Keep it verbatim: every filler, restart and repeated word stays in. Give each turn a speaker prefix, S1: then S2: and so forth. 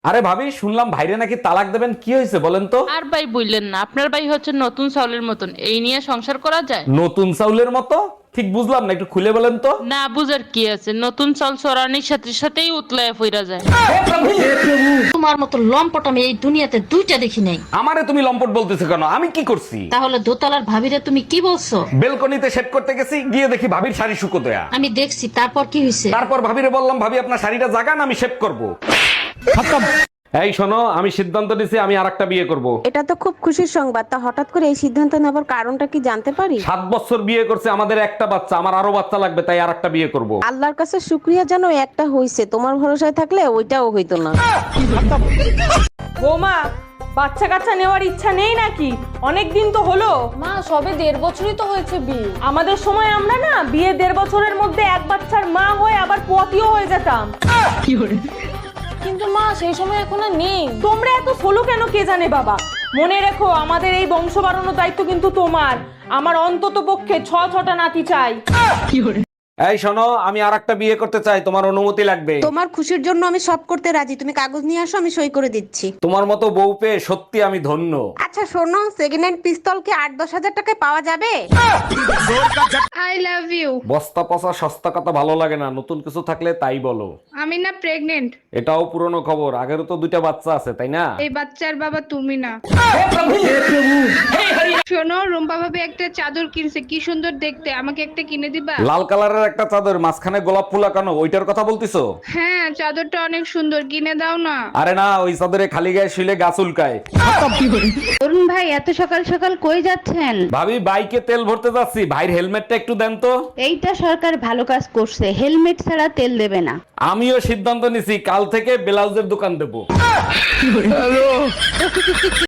S1: আরে ভাবি, শুনলাম ভাইরে নাকি তালাক দেবেন, কি হয়েছে বলেন তো?
S2: আর ভাই বললেন না, আপনার ভাই হচ্ছে নতুন চাউলের মতন, এই নিয়ে সংসার করা যায়?
S1: নতুন চাউলের মতো? ঠিক বুঝলাম না, একটু খুলে বলেন তো।
S2: না বুঝার কি আছে, নতুন চাল চড়ানির সাথে সাথেই উতলায় ফিরা যায়।
S3: তোমার মতো লম্পট আমি এই দুনিয়াতে দুইটা দেখি নাই।
S1: আমারে তুমি লম্পট বলতেছো কেন? আমি কি করছি?
S3: তাহলে দোতলার ভাবিরে তুমি কি বলছো?
S1: বেলকনিতে শেভ করতে গেছি, গিয়ে দেখি ভাবির শাড়ি শুকোতয়া।
S3: আমি দেখছি, তারপর কি হয়েছে?
S1: তারপর ভাবিরে বললাম, ভাবি আপনার শাড়িটা জাগান, আমি শেভ করব। এই শোনো, আমি সিদ্ধান্ত নিছি আমি আরেকটা বিয়ে করব।
S4: এটা তো খুব খুশির সংবাদ। তা হঠাৎ করে এই সিদ্ধান্ত নেবার কারণটা কি জানতে পারি?
S1: সাত বছর বিয়ে করছে, আমাদের একটা বাচ্চা, আমার আরো বাচ্চা লাগবে, তাই আরেকটা বিয়ে করব।
S4: আল্লাহর কাছে শুক্রিয়া জানো একটা হইছে, তোমার ভরসায় থাকলে ওইটাও হইতো না।
S5: বৌমা, বাচ্চা কাচ্চা নেওয়ার ইচ্ছা নেই নাকি? অনেক দিন তো হলো।
S6: মা সবে দেড় বছরই তো হয়েছে বিয়ে।
S5: আমাদের সময় আমরা না বিয়ে দেড় বছরের মধ্যে এক বাচ্চার মা হয়ে আবার পতিও হয়ে যেতাম।
S6: কিন্তু মা সেই সময় এখন আর নেই।
S5: তোমরা এত সোলো কেন কে জানে বাবা। মনে রেখো, আমাদের এই বংশ বাড়ানোর দায়িত্ব কিন্তু তোমার। আমার অন্তত পক্ষে ছ ছটা নাতি চাই।
S1: এই শোনো, আমি আরেকটা বিয়ে করতে চাই, তোমার অনুমতি লাগবে।
S4: তোমার খুশির জন্য আমি সব করতে রাজি, তুমি কাগজ নিয়ে আসো, আমি সই করে দিচ্ছি।
S1: তোমার মতো বউ পেয়ে সত্যি আমি ধন্য।
S4: আচ্ছা শোনো, সেকেন্ড হ্যান্ড পিস্তল কি আট দশ হাজার টাকায় পাওয়া যাবে?
S7: I love you.
S1: বস্তা পচা সস্তা কথা ভালো লাগে না, নতুন কিছু থাকলে তাই বলো।
S7: আমি না প্রেগনেন্ট।
S1: এটাও পুরনো খবর, আগেরও তো দুইটা বাচ্চা আছে, তাই না?
S7: এই বাচ্চার বাবা তুমি না। শোনো, রুম্পা ভাবে একটা চাদর কিনছে, কি সুন্দর দেখতে, আমাকে একটা কিনে দিবা?
S1: লাল কালারের একটা চাদর, মাঝখানে গোলাপ ফুল আঁকানো, ওইটার কথা বলতিছো?
S7: হ্যাঁ, চাদরটা অনেক সুন্দর, কিনে দাও না।
S1: আরে না, ওই চাদরে খালি গায়ে শুলে গাছ উল্কায়।
S8: অরুণ ভাই, এত সকাল সকাল কই যাচ্ছেন?
S1: ভাবি, বাইকে তেল ভরতে যাচ্ছি, ভাইয়ের হেলমেটটা একটু দেন তো।
S8: এইটা সরকার ভালো কাজ করছে, হেলমেট ছাড়া তেল দেবে না।
S1: আমিও সিদ্ধান্ত নিছি, কাল থেকে ব্লাউজের দোকান দেবো।